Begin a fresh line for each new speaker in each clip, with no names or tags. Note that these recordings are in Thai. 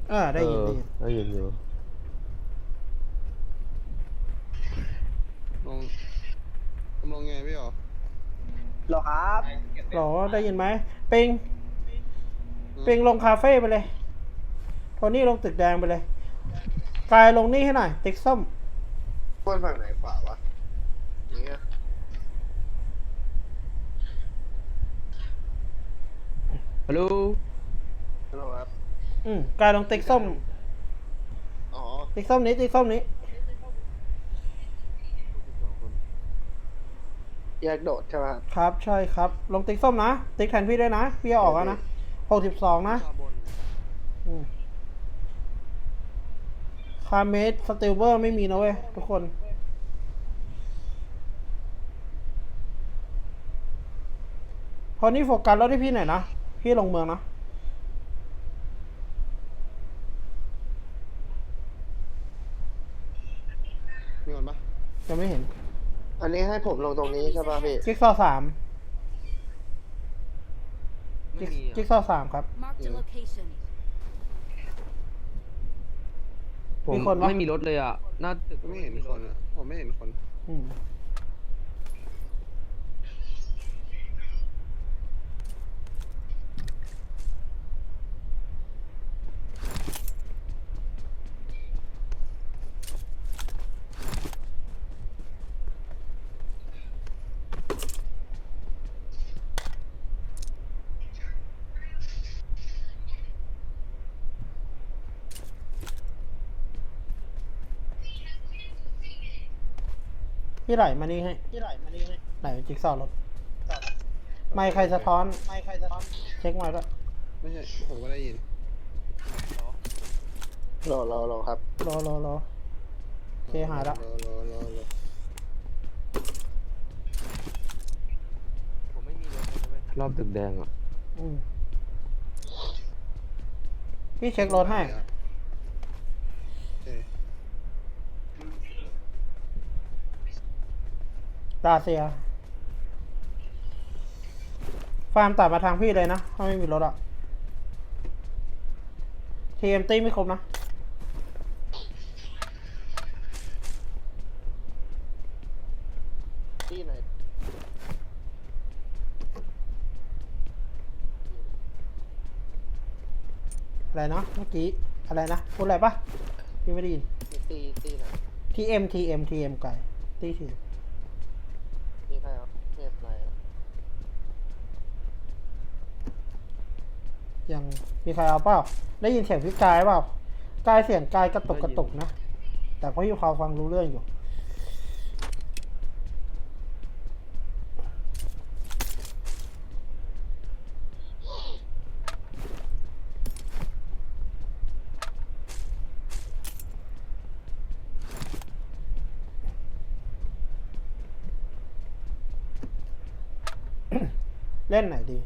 ได้ยินดี
ได้ยินอยู่
ลงลงไงพี่หรอ
หรอครับ
หรอได้ยินไหมปิงปิงลงคาเฟ่ไปเลยโทนี่ลงตึกแดงไปเลยกายลงนี่ให้หน่อยติ๊กส้ม
ป้วนฝั่งไหนขวาวะอย่างเงี้ย
ฮัลโหล
ฮัลโหลครับ
กายลงติ๊กส้ม
อ๋อ
ติ๊กส้มนี้ติ๊กส้มนี้
แยกโดดใช่ไหมครับ
ครับใช่ครับลงติ๊กส้มนะติ๊กแทนพี่ด้วยนะพี่ออกแล้วนะ62นะคาเมสสติลเวอร์ไม่มีนะเว้ยทุกคนพอนี่โฟกัสแล้วที่พี่หน่อยนะพี่ลงเมืองนะ
มีคนปะ
ยังไม่เห็น
อันนี้ให้ผมลงตรงนี้ใช่ป่ะพี่
จิ๊กซอว์3จิ๊กซอว์3ครับ
มีคนไม่มีรถเลยอ่ะน่าตึก
ไม่เห็นคนอ่ะผมไม่เห็นคน
พี่ไหลมานี่ให้ไหลจิ๊กซอว์รถไม่ใครสะท้อนเช็คมาด้วย
ไม่ใช่ผมก็ได้ยินรอครับ
รอโอเคหายละ
ผมไม่มีรถเลยรอบตึกแดงอ่ะ
พี่เช็ครถให้ดาเซียฟาร์มตัดมาทางพี่เลยนะถ้าไม่มีรถอะทีเอ็มตีไม่ครบนะ
ที่ไหน
อะไรนะเมื่อกี้อะไรนะพูดอะไรปะพี่ไม่ได้ยิน
ตีไหน
ทีเอ็มไก่ตีที
มีใครครับเทพไหน
ยังมีใครเอาเปล่าได้ยินเสียงพี่กายเปล่ากายเสียงกายกระตุกนะแต่ก็อยู่เขาฟังรู้เรื่องอยู่เล่นไหนดี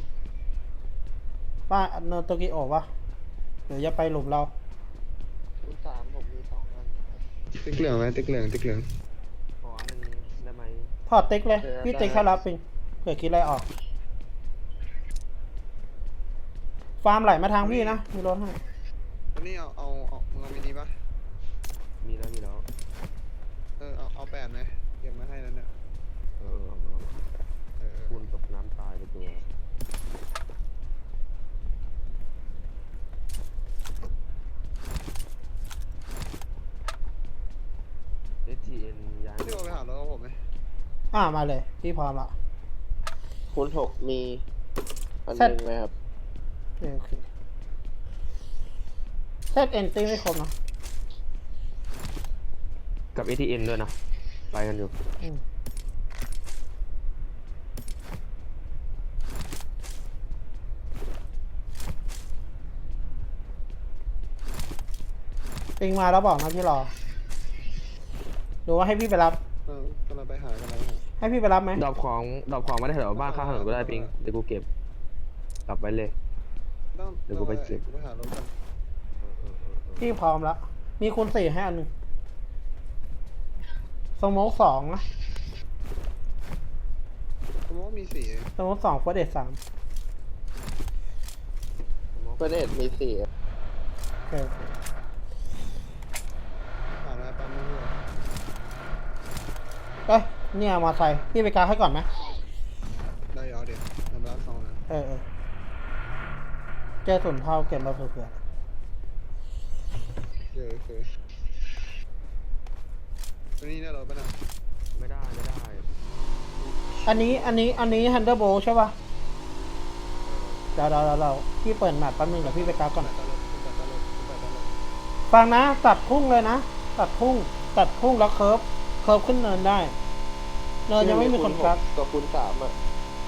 ป้าเนโตกิโอะวะเดี๋ยวจะไปหลุมเรา
คุณ3ผมมี2อันติ๊กเหลืองไหมติ๊กเหลือง
ขออันนึงได้ไหม
ถอดติ๊กเลยพี่ติ๊กเขารับปิงเผื่อคิดอะไรออกฟาร์มไหลมาทางพี่นะมีรถให้
อันนี้เอามึงเอามินิปะ
มีแล้ว
เอา8ไหมเก็บมาให้แล้วเนี่ย
คุณตกน้ำตายไปตัวSTN ย้าย
พี่โอไปหารถกับผมไหม
มาเลยพี่พร้อมละ
คุณ6มีอันนึงไหมครับ
โอเคเซตเอนตี้ไม่ครบนะ
กับ ATN ด้วยนะไปกันอยู่
ปิงมาแล้วบอกนะพี่รอหรือว่าให้พี่ไปรับ
กำลังไปหา
ให้พี่ไปรับไหม
ดรอปของมาได้แถวบ้านข้างถนนก็ได้ปิงเดี๋ยวกูเก็บกลับไปเลยเดี๋ยวกูไปเก็บ
ไปหารถกัน
พี่พร้อมแล้วมีคูณ4ให้อันหนึ่งสโมก2นะ
สมมติมี4
สโมก2เฟิร์สเดท3
เฟิร์สเดทมี4
เค
ผ่านแล้วปั๊มนึงพี่
เอ้ยเนี่ยมอไซค์พี่ไปกาให้ก่อนไหม
ได้ยอเดี๋ยวทำร้านสองนะ
เออเจอส่วนเท่าเก็บมาเผื่อ
เดี๋ยวเคยตัวนี้เนี่ยเราไปนะ
ไม่ได้
ๆอันนี้ฮันเดอร์โบใช่ป่ะเดี๋ยวพี่เปิดแมปแป๊บนึงเดี๋ยวพี่ไปกราฟก่อน
ตลกตลก
ฟังนะตัดพุ่งเลยนะตัดพุ่งแล้วเคิร์ฟขึ้นเนินได้ เนินยังไม่มีคนกราฟ
ตัวคูณ3อ่ะ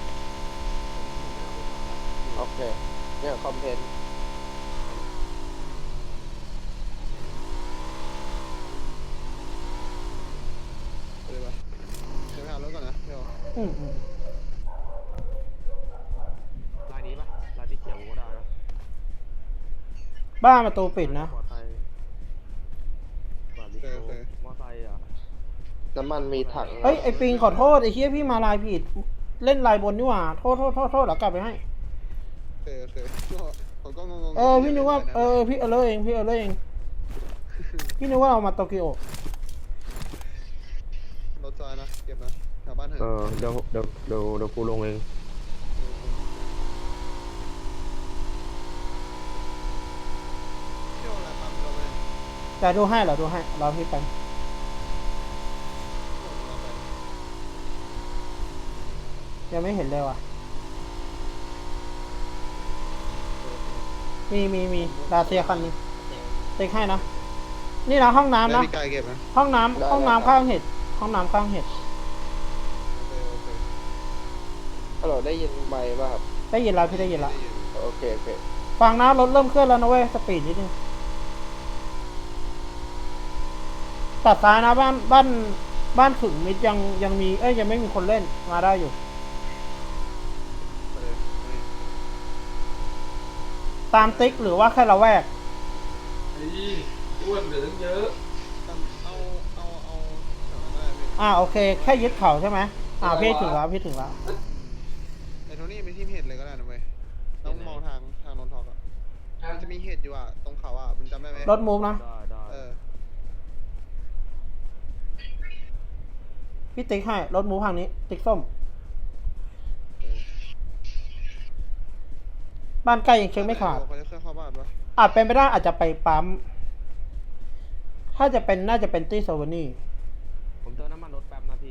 โอเค เนี่ยคอมเพนต์
ไปเลยปะเดี๋ยวไปหารถก่อนนะเดี๋ยว
อืม
ลายนี้ปะลายที่เขียวกูก็ได้นะ
บ้านประตูปิดนะ
ปลอดภัยบาร์บีคิวมอไซค์อ่ะ
น้ำมันมีถัง
เฮ้ยไอปิงขอโทษไอเฮียพี่มาลายผิด เล่นลายบนนี่หว่าโทษเดี๋ยวกลับไปให้
เคยผมก็งง
พี่นึกว่าพี่เออเองพี่นึกว่าเอามาโตเกียว
รถจอยนะเก็บนะแถวบ้านเถอะ
เดี๋ยวกูลงเอง
เที่ยวอะไรปั๊มเราไป
แต่ดูให้รอพี่ไป
เราไป
ยังไม่เห็นเลยว่ะมีลาเซียคันนึงเต็กให้นะนี่นะห้องน้ำ
แล้ว
นะ
พี่กายเก็บนะ
ห้องน้ำข้างเห็ดห้องน้ำข้างเห็ด
โอเค
ฮัลโหลได้ยินไหมค์ป่ะครับ
ได้ยินแล้วพี่ได้ยินแล้ว
โอเค
ฟังนะรถเริ่มเคลื่อนแล้วนะเว้ยสปีดนิดนึงตัดซ้ายนะบ้านขึงมิดยังมียังไม่มีคนเล่นมาได้อยู่
ไปเลย
ตามติ๊กหรือว่าแค่ละแวก
เอาแถวนั้นได้พี่
โอเคแค่ยึดเขาใช่ไหมพี่ถึงแล้ว
ไอ้โทนี่ไปที่เห็ดเลยก็ได้นะเว้ยต้องมองทางนนทอกอ่ะมันจะมีเห็ดอยู่อ่ะตรงเขาอ่ะมันจำได้ไหม
รถมูฟนะ
ได้
พี่ติ๊กให้รถมูฟทางนี้ติ๊กส้มบ้านใกล้ยังเช็คไม่ขาด
เขาจะเคลื่อนเข้าบ้านปะ
อาจเป็นไปได้อาจจะไปปั๊มถ้าจะเป็นน่าจะเป็นตี้โซวานี่
ผมเติมน้ำมันรถแป๊บนะพี่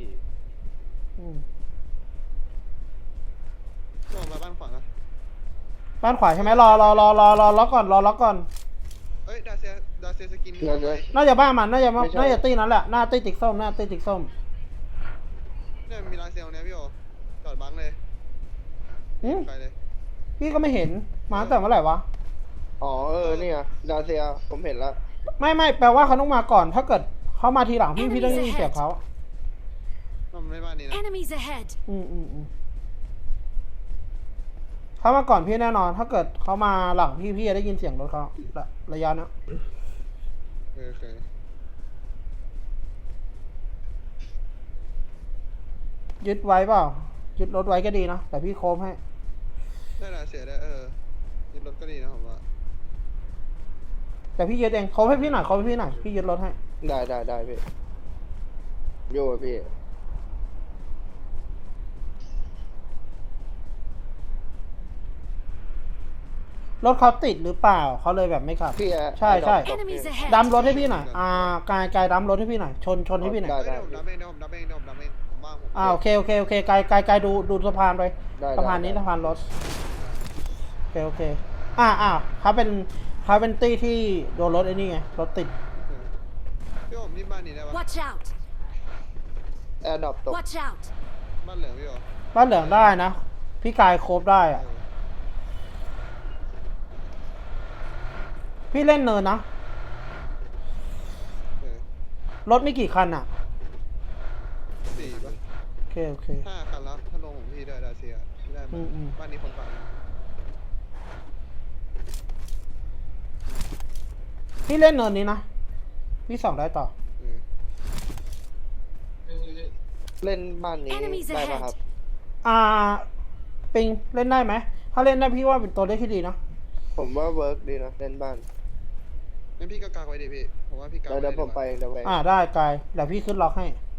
ลงมาบ้านขวานะ
บ้านขวาใช่ไหมรอล็อกก่อน
เอ้ยดาเซียสกิน
เงินเลย
น่าจะบ้านมันน่าจะ
ไม่ใช่
ตี้นั้นแหละหน้าตี้ติ๊กส้ม
เนี่ยมีดาเซียเนี่ยพี่โอจอดบังเลย
อืม
ไปเลย
พี่ก็ไม่เห็นมาตั้งแต่เมื่อไหร่วะ
อ๋อนี่ไงดาเซีย ผมเห็นแล้ว
ไม่แปลว่าเขาต้องมาก่อน ถ้าเกิดเขามาทีหลังพี่ต้องได้ยินเสียงเขา
มันไม่บ้านนี้นะ
Enemies ahead!
เขามาก่อนพี่แน่นอน ถ้าเกิดเขามาหลังพี่จะได้ยินเสียงรถเขาระยะเนี้ย
เคย
ยึดไว้เปล่ายึดรถไว้ก็ดีนะแต่พี่โค้งให้
ได้ดาเซียได้ยึดรถก็ดีนะผมว่า
แต่พี่ยึดเองโค้งให้พี่หน่อยพี่ยึดรถให้
ได้พี่โย่พี่
รถเขาติดหรือเปล่าเขาเลยแบบไม่ขับ
พี่อะ
ใช่
Enemies ahead!
ดัมรถให้พี่หน่อยกายดัมรถให้พี่หน่อยชนให้พี่หน่อย
ได้
เดี๋ยวผมดับเองผมว่างผม
โอเคกายดูสะพานไป
ได้
สะพานนี้
ได้
สะพานรถโอเคเขาเป็นตี้ที่โดนรถไอ้นี่ไงรถติด
พี่ผมที่บ้านนี้ได้ปะ
Watch out!
แอร์ดรอปตก
Watch out!
บ้านเหลืองพี่โอ
บ้านเหลืองได้นะพี่กายโคบได้อะพี่เล่นเนินนะรถไม่กี่คันอ่ะ
4 ปะ
โอเค
5 คันแล้วถ้าลงของพี่ได้ดาเซียไม่ได้บ้านนี้คนฝั่ง
พี่เล่นเนินนี้นะพี่ส่องได้ต่อ
เล่นบ้านนี้
Enemies
ได้ป่ะ
ahead
ครับ
ปิงเล่นได้ไหมถ้าเล่นได้พี่ว่าเป็นตัวเลขที่ดีนะ
ผมว่าเวิร์กดีนะ เล่นบ้าน
งั้นพี่ก็กักไว้ดิพี่ผมว่าพี่กัก
เดี๋ยวผมไปเดี๋ยวไป
ได้กายเดี๋ยวพี่ขึ้นล็อกให้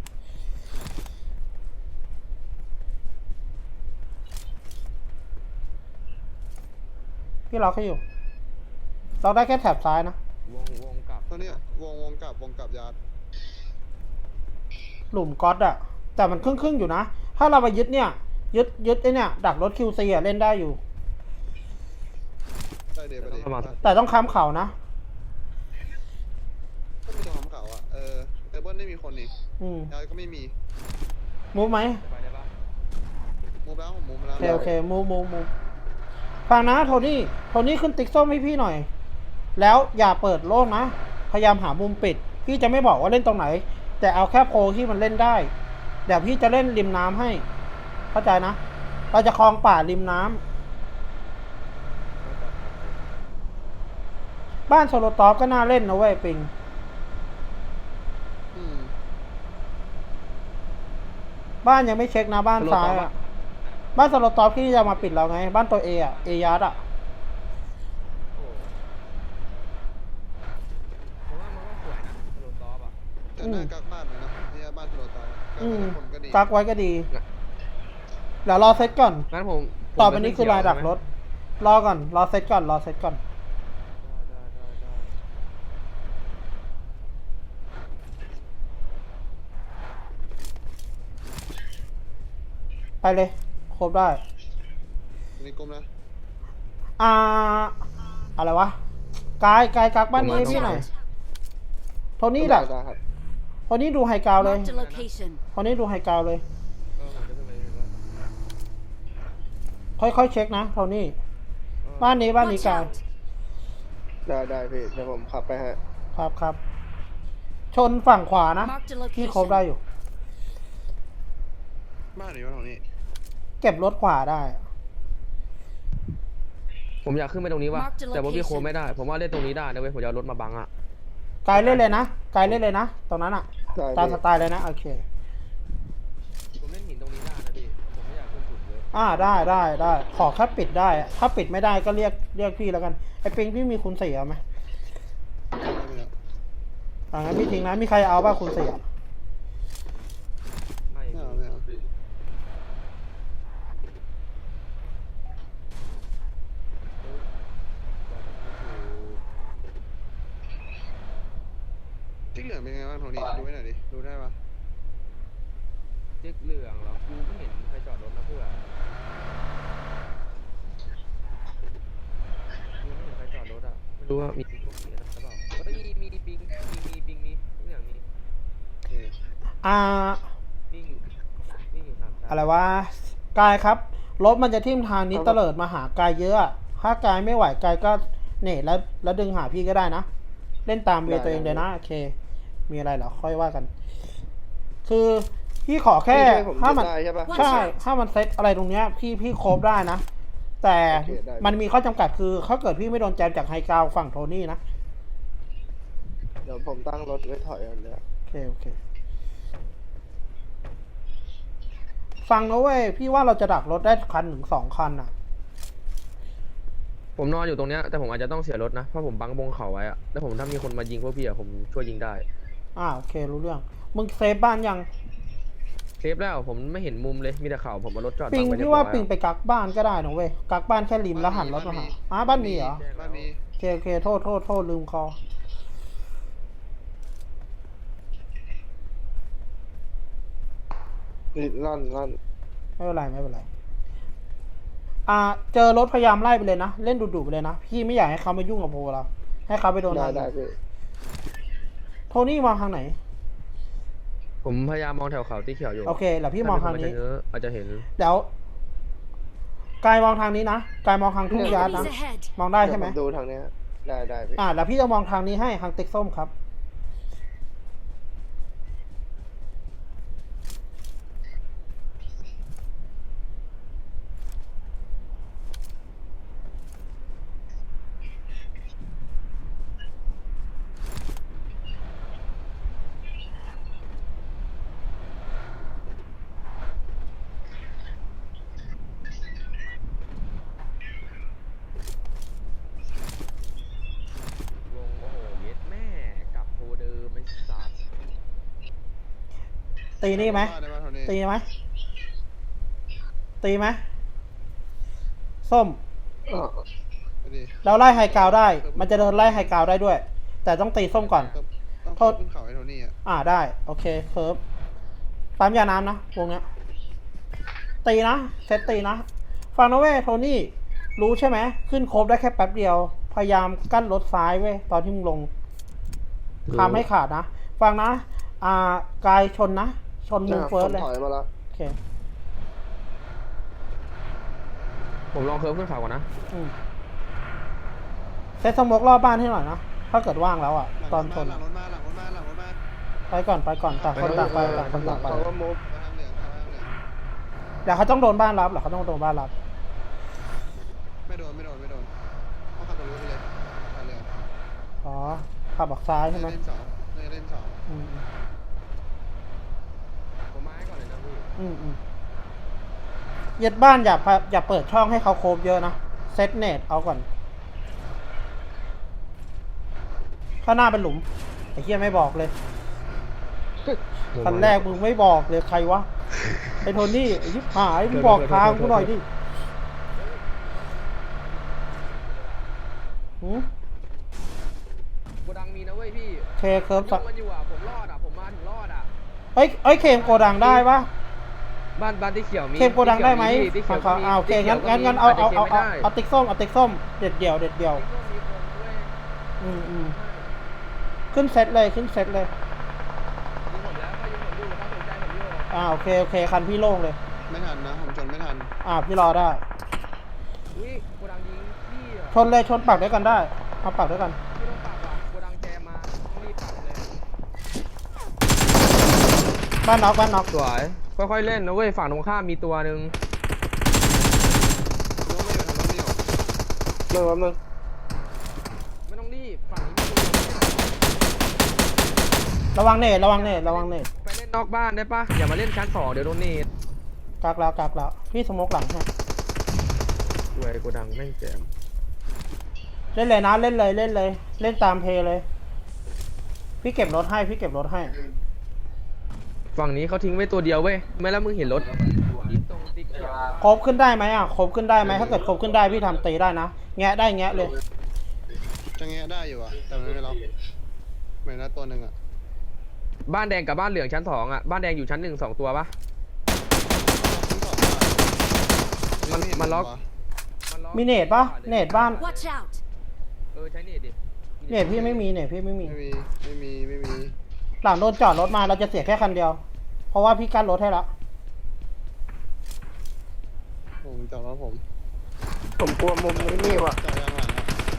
พี่ล็อกให้อยู่ล็อกได้แค่แถบซ้ายนะ
วงกลับ
ตอนเนี้ยวงกลับยาร์ด
หลุมก๊อตอะแต่มันครึ่งอยู่นะ ถ้าเราไปยึดเนี่ยยึดไอเนี่ยดักรถ QC อะเล่นได้อยู่
ได้เดี๋ยวไปดิ
ประมาณ
แต่ต้องค้ำเขานะ
ก็มีตัวทำเขาอ่ะแต่เบิ้ลไม่มีคนนี่
อืม
ยาร์ดก็ไม่มี
มูฟไหม
ไปได้ปะ
มูฟแล้วผมมูฟแล้ว
โอเคมูฟฟังนะโทนี่ขึ้นติ๊กส้มให้พี่หน่อย แล้วอย่าเปิดโล่งนะ พยายามหามุมปิด พี่จะไม่บอกว่าเล่นตรงไหน แต่เอาแค่โพลที่มันเล่นได้ เดี๋ยวพี่จะเล่นริมน้ำให้ เข้าใจนะ เราจะคลองป่าริมน้ำบ้านโซโลตอฟก็น่าเล่นนะเว้ยปิง
อืม
บ้านยังไม่เช็คนะบ้านซ้ายอะบ้านโซโลตอฟที่จะมาปิดเราไง บ้านตัวเออะเอยาร์ดอะ
ผมว่ามันก็สวยนะโดนตอปอ่ะ
แต่หน้ากักบ้านเลยนะที่บ้านโทรตากัก
อืม
คนก็ดี
กักไว้ก็ดี เดี๋ยวรอเซตก่อน
งั้นผม
ต่อไปนี้คือรายดักรถ รอก่อน รอเซตก่อน
ได้
ไปเลย ครบได้
ในกลมนะ
อะไรวะ กายกักบ้านนี้ให้พี่หน่อย โทนี่ดัก
ได้ครับ
โทนี่ดูไฮกราวด์เลย
Marked a location.
โทนี่ดูไฮกราวด์เลย
ผมจะขึ้นไปเลยว่า
ค่อยๆเช็คนะ โทนี่ บ้านนี้
Watch
กาย
out.
ได้พี่เดี๋ยวผมขับไปฮะ
ครับ ชนฝั่งขวานะ
Marked a
พี่ครบได้
location.
อยู่
บ้านไหนวะตรงนี้
เก็บรถขวาได้
ผมอยากขึ้นไปตรงนี้ว่ะ
Mark the
แต่ว่าพี่โค
location
ไม่ได้ ผมว่าเล่นตรงนี้ได้นะเว้ยผมจะเอารถมาบังอ่ะ
กายเล่นเลยนะ ตรงนั้นอะ
ได้
ตาม
พี่
สไตล์เลยนะ โอเค
ผมเล่นหินตรงนี้ได้นะพี่ผมไม่อยากขึ้นสูงเยอะ
ได้ ขอแค่ปิดได้ ถ้าปิดไม่ได้ก็เรียกพี่แล้วกัน ไอ้ปิงพี่มีคุณเสียไหม
ไม่เอา
งั้นพี่ทิ้งนะ มีใครเอาบ้างคุณเสีย
ไม่
ไม่เอาจิ๊กเหลืองเป็นไงบ้างโทนี่ดูให้หน่อยดิดูได้ปะ
จิ๊กเหลืองเหรอกูไม่เห็นใครจอดรถนะเพื่อนกูไม่เห็นใครจอดรถอ่ะไม่รู้ว่ามีพวกนี้หรือเปล่าเฮ้ยมีปิงมีทุกอย่างมี
โอเค
วิ่งอยู่สามชั้น
อะไรวะ กายครับ รถมันจะทิ่มทางนี้เตลิดมาหากายเยอะอะถ้ากายไม่ไหวกายก็เน่แล้วดึงหาพี่ก็ได้นะ เล่นตามเวย์ตัวเองเลยนะ โอเค มีอะไรเหรอ ค่อยว่ากัน คือพี่ขอแค่
พี่ช่วยผม
ถ้ามัน
ได้ใช่ปะ
ใช่ ถ้ามันเซตอะไรตรงเนี้ย พี่โคฟได้นะ แต่
โอเคได้
มันมีข้อจำกัดคือถ้าเกิดพี่ไม่โดนแจมจากไฮกราวด์ฝั่งโทนี่นะ
เดี๋ยวผมตั้งรถไว้ถอยอันเนี้ย
โอเค ฟังนะเว้ย พี่ว่าเราจะดักรถได้คันถึง2 คันอ่ะ
ผมนอนอยู่ตรงเนี้ยแต่ผมอาจจะต้องเสียรถนะเพราะผมบังบงเขาไว้อะแล้วผมถ้ามีคนมายิงพวกพี่อะผมช่วยยิงได้
โอเค รู้เรื่อง มึงเซฟบ้านยัง
เซฟแล้วผมไม่เห็นมุมเลยมีแต่เขาผมเอารถจอด
ปิง
บัไว้เรีย
พี่
บร้
ว่า
อยอะ
ปิงไปกักบ้านก็ได้นะเว้ย กักบ้านแค่ริมแล้วหันรถมาหาบ้านมีเหรอ
บ้านมี
โอเค โทษลืมคอ
ลั่น
ไม่เป็นไร เจอรถพยายามไล่ไปเลยนะ เล่นดุๆไปเลยนะ พี่ไม่อยากให้เขามายุ่งกับโพเรา ให้เขาไปโดน
ได้
ทาง
ได้พี่
โทนี่มองทางไหน
ผมพยายามมองแถวเขาที่เขียวอยู่
โอเคแล้วพี่มองทางนี้
อาจจะเห็น
เดี๋ยวกายมองทางนี้นะ กายมองทางทุ่งยาร์ดนะ
Enemies ahead.
มองได้ใช่ไหม
เยวผดูทางเนี้ยได้พี่
แล้วพี่จะมองทางนี้ให้ทางติ๊กส้มครับตีนี่ไหม
ได้ปะโทนี่
ตีไหมตีไหมส้ม
อ้อ
ไปดิ
เราไล่ไฮกราวด์ได้ มันจะเดินไล่ไฮกราวด์ได้ด้วย แต่ต้องตีส้มก่อน
ต้อง
โทษ
ขึ้นเขาไอ้โทนี่อ่ะ
ได้โอเคเคิร์ฟปั๊มยาน้ำนะวงเนี้ยตีนะเซตตีนะฟังนะเว้ยโทนี่รู้ใช่ไหมขึ้นโคบได้แค่แป๊บเดียว พยายามกั้นรถซ้ายเว้ยตอนที่มึงลงทำให้ขาดนะฟังนะกายชนนะชนมูเฟิร์สเลย
ผมถอยมาแล้ว
โอเค
ผมลองเคิร์ฟขึ้นเขาก่อนนะ
อืมเซตสโมกรอบบ้านให้หน่อยนะถ้าเกิดว่างแล้วอ่ะ
หลัง
ตอนชน
หลังรถมาหลังรถมาหลังรถมา
ไปก่อนต่างคนต่างไปต่างคนต่างไป
เขาก็มุฟ
ทางเหลืองทางเหลือง
เดี๋ยวเขาต้องโดนบ้านรับเหรอเขาต้องโดนบ้านรับ
ไม่โดนเขาขับรถไปเลยทางเหลือง
อ๋อขับออกซ้ายใช่ไหม
เล่นสองเล่นสอง
อืม
ผมมาให้ก่อนเลยนะพี่
ยึดบ้านอย่าเปิดช่องให้เขาโคบเยอะนะเซตเนตเอาก่อนข้างหน้าเป็นหลุมไอ้เหี้ยไม่บอกเลยคันแรกมึงไม่บอกเลยใครวะไอ้โทนี่ไอ้ชิบหายมึงบอกทางกูหน่อยดิหืม
โกดังมีนะเว้ยพี่
เคเคิร์ฟสัก
มันอยู่อ่ะผมรอดอ่ะผมมาถึงรอดอ่ะ
เอ้ยเคมโกดังได้ปะ
บ้านที่เขียวมี
เคมโกดังได้ไหม
ที่เขียว
ฝั่งเขาโอเคงั้นเอาติ๊กส้มเด็ดเดี่ยว
มีคนด้วย
ขึ้นเซตเลย
ยิงผมแล้วก็ยิงผมอยู่ถ้าสนใจผมอยู่
โอเคคันพี่โล่งเลย
ไม่ทันนะผมชนไม่ทัน
พี่รอได้
อุ้ยโกดังยิงพี่อ่ะ
ชนเลยชนปักด้วยกันได้เอาปักด้วยกัน
ไม่ต้องปากว่ะโกดังแจมมาต้องรีบปักเลย
บ้านน็อก
สวยค่อยๆเล่นนะเว้ยฝั่งตรงข้ามมีตัวหนึ่ง
รถไม่อยู่ทางรถไม่อยู่
มึง
ไม่ต้องรีบฝั่งนี้มีตัว
ระวังเนต
ไปเล่นนอกบ้านได้ปะอย่ามาเล่นชั้น2เดี๋ยวโดนเนต
กักแล้วพี่สโมกหลังให้
สวยโกดังแม่งแจม
เล่นเลยนะเล่นตามเพลย์เลย พี่เก็บรถให้
ฝั่งนี้เขาทิ้งไว้ตัวเดียวเว้ยไม่แล้วมึงเห็นรถยิงตรงติ๊กเขียว
ครบขึ้นได้ไหมครบขึ้นได้ไหมถ้าเกิดครบขึ้นได้พี่ทำตีได้นะแงะได้แงะเลย
จะแงะได้อยู่อ่ะแต่มันไม่ล็อกเหมือนนะตัวหนึ่งอ่ะ
บ้านแดงกับบ้านเหลืองชั้น2อ่ะบ้านแดงอยู่ชั้น1 2ตัวปะ มันล็อก
มีเนตปะเนตบ้าน
Watch out!
ใช้เนตดิ
เนตพี่ไม่มี
ไม่มี
หลังโดนจอดรถมาเราจะเสียแค่คันเดียว เพราะว่าพี่กั้นรถให้แล้ว
ผมจอดรถผม
ผมกลัวมุมนี้นี่ว่ะ
จอดยางหลังอ่ะ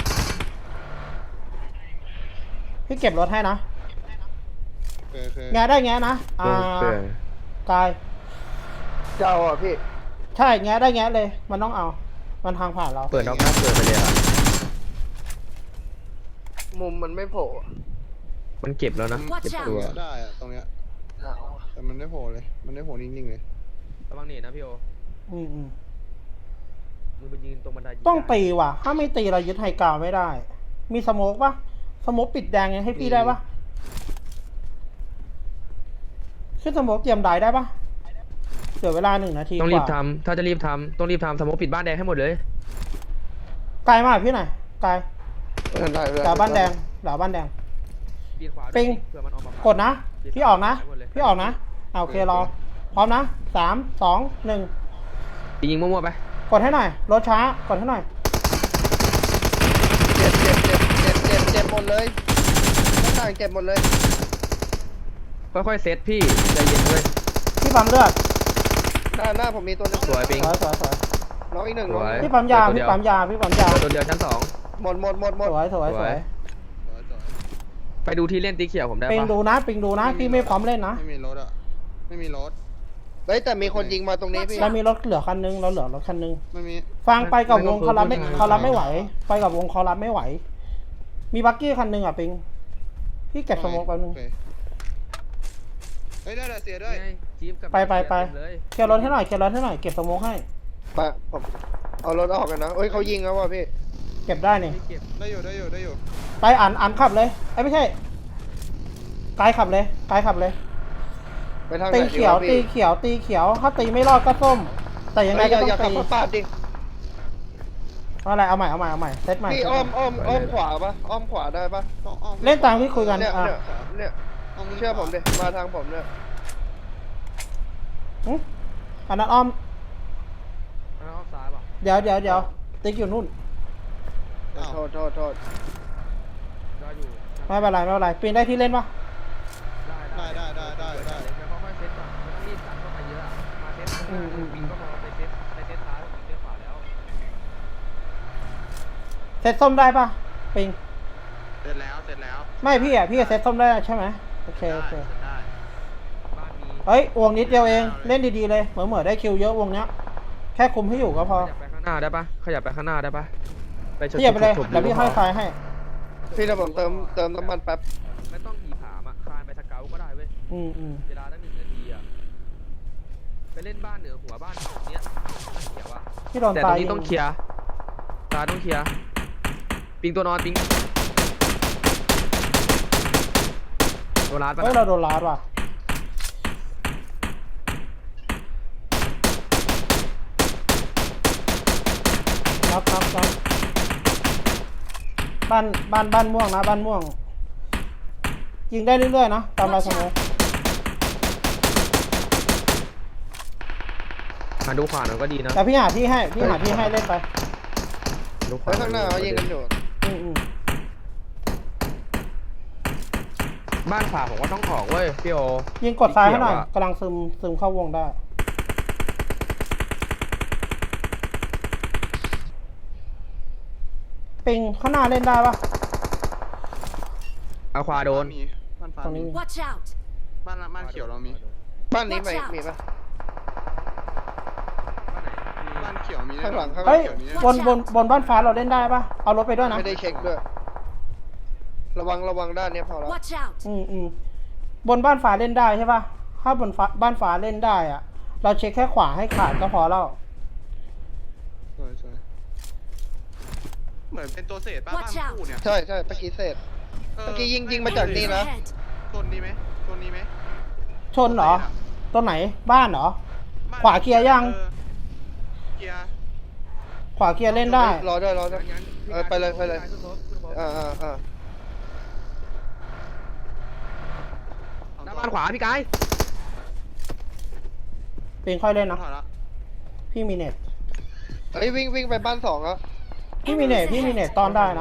พี่เก็บรถให้นะ
เคย
แงะได้แงะนะกาย
เจ้าอ่ะพี่
ใช่แงะได้แงะเลย มันต้องเอา มันทางผ่านเรา
เปิดนอกหน้าเปิดไปเลยอ่ะ
มุมมันไม่โผล่อะ
มันเก็บแล้วนะเก็บตัว
ได้อ่ะตรงเนี้ยแต่มันไม่โผล่เลยมันไม่โผล่นิ่งๆเลย
ระวังเนตนะพี่โอ
อืม
มึงไปยืนตรงบันได
ต้องตีว่ะ ถ้าไม่ตีเรายึดไฮกราวด์ไม่ได้ มีสโมกปะสโมกปิดแดงให้พี่ได้ปะขึ้นสโมกเตรียมได้ได้ปะเสียเวลา1 นาที
ต้อง
ก
รีบ
ว่า
ทำถ้าจะรีบทำต้องรีบทำสมมติปิดบ้านแดงให้หมดเลย
ไกลมากพี่หน่อยไกล
ได้
หลังบ้านแดงหลังบ้านแดง
ปีนขวา
ปิง
เผื่อมันออกมาก
ดนะ พี่ออกนะโอเครอ พร้อมนะ3 2 1
ยิงมั่วๆไป
กดให้หน่อย รถช้ากดให้หน่อย
เจ็บหมดเลยต่างเจ็บหมดเลย
ค่อยๆเซตพี่ใจเย็นเว้ย
พี่ปั๊มเลือด
หน้าผมมีตัวนึง
สวยปิง
สวย
น้องอีกหนึ่ง
สวย
พี่ปั๊มยา
เดี๋
พี่
ยว
ปั๊มยา
ตัวเดียวชั้น
หมด
สวย
สวย 2ไปดูที่เล่นติ๊กเขียวผมได้
ปิง
ปะ
ดูนะพี่ไม่พร้อมเล่นนะ
ไม่มีรถอ่ะไม่มีรถ
เฮ้ยแต่มีคนยิงมาตรงนี้พี่
เรามีรถเหลือคันนึงเราเหลือรถคันนึง
ไม่มี
ฟังไปกับวงเขารับไม่ไหว ไปกับวงเขารับไม่ไหว มีบักกี้คันนึงอ่ะปิง พี่เก็บสโมกแป๊บนึง
โอเคเฮ้ยได้เสียด้วย
นี่ไงจี๊ปกับ
ไป
เลย
เคลียร์รถให้หน่อยเก็บสโมกให้
ไปผมเอารถออกกันนะเฮ้ยเขายิงแล้วว่ะพี่
เก็บได้นี่
ไม่เก็บ
ได้อยู่
ไปอ่านขับเลยไม่ใช่กายขับเลย
ไปทางไหน
ตี
ดี
เขียว
วะ
ตี
พี่
เขียวตีเขียวถ้าตีไม่รอดก็ส้ม แต่ยังไง
เฮ้ย
ก็
อย่า
ต้อง
ขับ
ตี
รถปาดดิ
อะไรเอาใหม่เซตใหม่
พี่อ้อมขวาปะอ้อมขวาได้ปะ
ต้องอ้อม
เล่นตามที่คุยกัน
เนี่ย
อ่ะ
เนี่ย
อ้อม
เชื่อผมดิมาทางผมเนี่ย
หึอันนั้นอ้อม
อ้าวซ้ายป่ะ
เดี๋ยวติ๊กอยู่นู่น
อ้าว
โทษ
ได้อยู่
ไม่เป็นไรปีนได้ที่เล่นปะ
ได้
เดี๋ยวค่อยๆเซตก่อนไม่ต้องรีบสั่งเข้าไปเยอะอะมาเซตข้างหน้าปิงก็พอไปเซตซ้ายปิงเซตขวาแล้ว
เซตส้มได้ปะปิง
เสร็จแล้ว
ไม่พี่เซตส้มได้ใช่ไหมโอเค
ได้
บ้านมี
เฮ้ยวงนิดเดียวเองเล่นดีๆเลยเหมือได้คิวเยอะวงเนี้ยแค่คุมให้อยู่ก็พอ
ขยับไปข้างหน้าได้ปะขยับไปข้างหน้าได้ปะไปชน
พี่อย่าไปเลย
ฉุบๆ
เดี๋ยวพี่
ก็พ
ให้ไฟให้
พี่เดี๋ยวผมเติมน้ำมันแป๊บ
ไม่ต้องขี่ผามอ่ะคลานไปสเกลก็ได้เว้ย เวลาตั้ง1 นาทีอ่ะไปเล่นบ้านเหนือหัวบ้านเนี้ยบ้านเขียวอ่ะ
พี่โดน
แต่
ตา
ตร
ย
งนี้ต้องเคลียร์ตาต้องเคลียร์ปิงตัวนอนปิงตัวร้านปะ
เฮ้ย
นะ
เราโดนลาดว่ะน็อกบ้านม่วงนะบ้านม่วงยิงได้เรื่อยๆนะตามลายสมอง
หาดูขวาหน่อยก็ดีนะ
แต่พี่หาที่ให้เล่นไป
ดูข
ไว้
วา
ข้างหน้าเขายิงกันอยู่
อืม
บ้านขวาผมก็ต้องออกเว้ยพี่โอ
ยิงกดซ้ายให้หน่อย
เขียวอะ
กำลังซึมเข้าวงได้ปิงข้างหน้าเล่นได้ปะ
เอาขวาโดน
มีบ้านฟ้า
ตรงนี้
มี
Watch out!
บ้านเขียวเรามี
บ้านนี้ไหม
Watch out
มีปะ
บ้านเขียวมี
ข้างหลัง
เฮ้ย
เขียวมี
บนบ้านฟ้าเราเล่นได้ปะเอารถไปด้วยนะ
ไม่ได้เช็คด้วย ระวังด้านเนี้ยพอแล้ว
Watch out!
บนบ้านฟ้าเล่นได้ใช่ปะถ้าบ้านฟ้าเล่นได้อะเราเช็คแค่ขวาให้ขาดก็พอแล้ว
สวยเหมือนเป็นตัวเศษบ้าน
Watch
คู่เนี่ย
ใช่เมื่อกี้เสร็จ เมื่อกี้ยิงมาจากนี่นะ
Ahead!
โซนนี้ไหม
ชนเหรอตัวไหนบ้านเหรอ ขวาเคลียร์ยัง
เคลียร์
ขวาเคลียร์เล่นได้
รอด้วย
งั้น
ไปเลย
ขึ้นรถ
อ่า
หน้าบ้านขวาพี่กาย
ปิงค่อยเล่นนะ
ถอยละ
พี่มีเน็ต
เฮ้ยวิ่งไปบ้าน2แล้ว
พี่มีเน็ตตอนได้นะ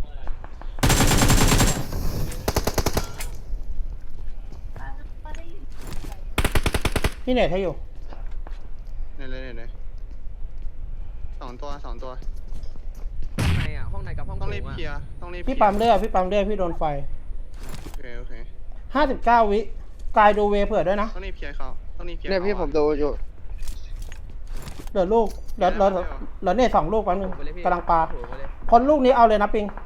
พี่เน็ตให้อยู่
เนี่ยสองตัว
ห้องในอ่ะห้องในกับห้อง
ต้องรีบ
โถะ
เคลียร์ต้องรีบ
พี่ปั๊มเลือดพี่โดนไฟ
โอเค
59 วิกายดูเวเผื่อด้วยนะ
ต้องรีบเคลียร์เขาต้องรีบเคลียร์
เนี่ยพี่ผมดูอยู่
เหลือลูกเหลือเน็ต2 ลูกแป๊บนึง
โถไปเลยพี่
กำลังปลา
โถไปเลย
พ้นลูกนี้เอาเลยนะปิง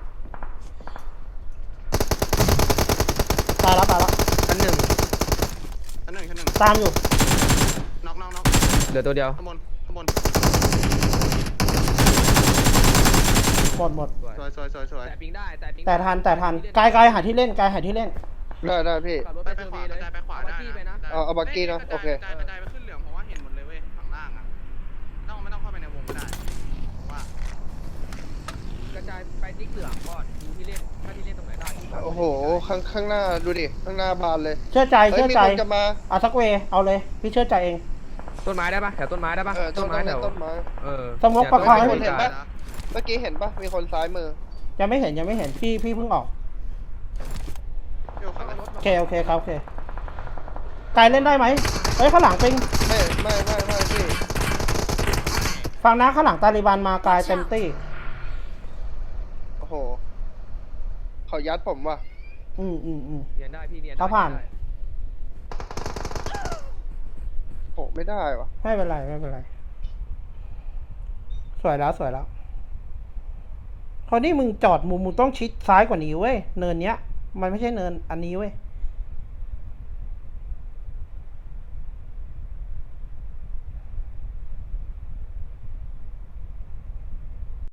ตายแล้ว
ชั้นหนึ่ง
ชั้นหนึ่ง
ตามอยู่
น็อก
เหลือตัวเดียว
ข้างบน
หมด
สวย
แต่ปิงได้แต่ปิง
แต่ทันกายหาที่เล่น
ได้พี่
ขับรถ
ไป
ไป
ข
เซอร์
วา
วีเลย
ไปขวาได้
เอบักกี้ไปนะ
เอาบักกี้นะโอเค
กระจายไปขึ้นเหลืองเพราะว่าเห็นหมดเลยเว้ยข้างล่างอ่ะไม่ต้องเข้าไปในวงก็ได้ว่าก
ระจายไปติ๊กเหลืองก่อนดูที่เล่นถ้าที่เล่นตรงไหนได้ที่
โอ้โหข้างหน้าดูดิข้างหน้าบานเลย
เชื่อใจ
เฮ้ยมีคนจะมา
เอาสักเวเอาเลยพี่เชื่อใจเอง
ต้นไม้ได้ปะแถวต้นไม้ได้ปะ
ต้นไม้
แถว
ต้นไม้
สมมุติประคองให้
เห็นปะ เมื่อกี้เห็นปะมีคนซ้ายมือ
ยังไม่เห็นพี่เพิ่งออก
เดี๋ยวข้างรถ
โอเคครับโอเคกายเล่นได้ไหมเฮ้ยข้างหลังปิง
ไม่พี่
ฟังนะข้างหลังตาลิบันมากายเต็มตี้
โอ้โหเขายัดผมว่ะ
อืม
เนียนได้พี่เนียนได้
เขาผ่าน
โหไม่ได้ว่ะ
ไม่เป็นไรสวยแล้วคราวนี้มึงจอดมุมมึงต้องชิดซ้ายกว่านี้เว้ยเนินเนี้ยมันไม่ใช่เนินอันนี้เว้ย